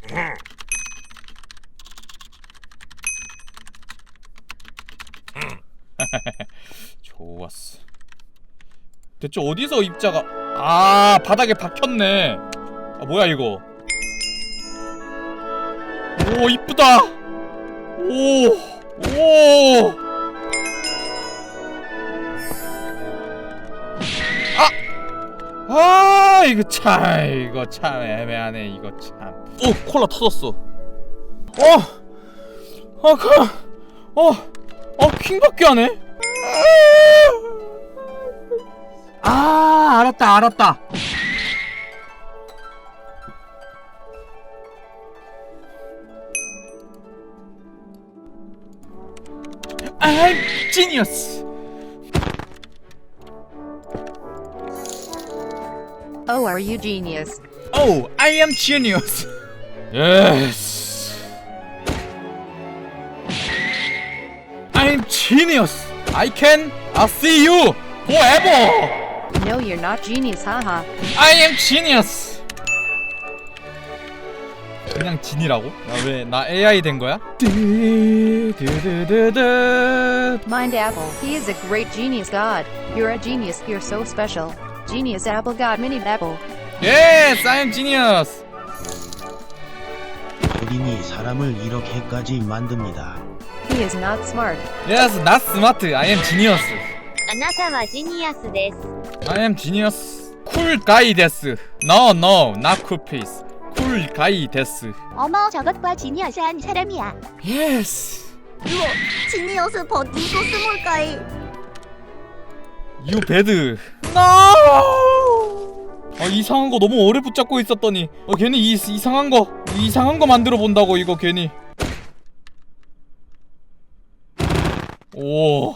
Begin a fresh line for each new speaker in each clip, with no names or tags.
좋았어. 대체 어디서 입자가 아 바닥에 박혔네. 아 뭐야 이거. 오 이쁘다. 오. 아 이거 참 애매하네 이거 참. 오 콜라 터졌어. 킹밖에 안 해. 아 알았다. I'm genius.
Oh, are you genius?
Oh, I am genius. Yes. I'm genius. I can see you forever.
No, you're not genius, haha.
I am genius. 그냥 진이라고? 왜 나 AI 된 거야?
Mind Apple, he is a great genius god. You're a genius, you're so special. Genius Apple God Mini Apple.
Yes, I am genius.
어린이 사람을 이렇게까지 만듭니다.
He is not smart.
Yes, not smart. I am genius.
あなたはジニアスです。
I am genius. Cool guy 데스. No, not cool face. Cool guy 데스.
어머, 저것과 지니어스한 사람이야.
Yes.
우와, 지니어스 버디 소스 뭘까이?
You bad. No. 이상한 거 너무 오래 붙잡고 있었더니 괜히 이상한 거 만들어 본다고 이거 괜히. 오.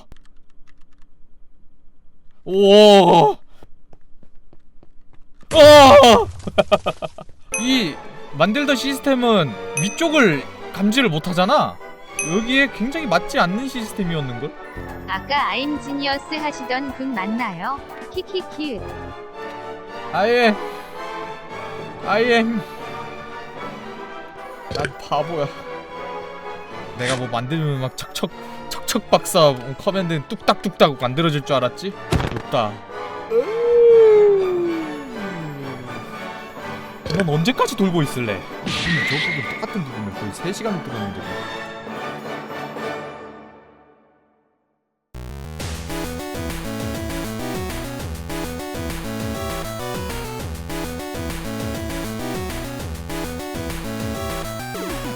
이 만들던 시스템은 위쪽을 감지를 못하잖아. 여기에 굉장히 맞지 않는 시스템이었는걸?
아까 I'm 지니어스 하시던 분 맞나요? 키키키.
I am 난 바보야. 내가 뭐 만들면 막 척척 박사 커맨드 뚝딱뚝딱 만들어질 줄 알았지? 없다. 넌 언제까지 돌고 있을래? 저 부분 똑같은 부분을 거의 3시간을 뚫었는데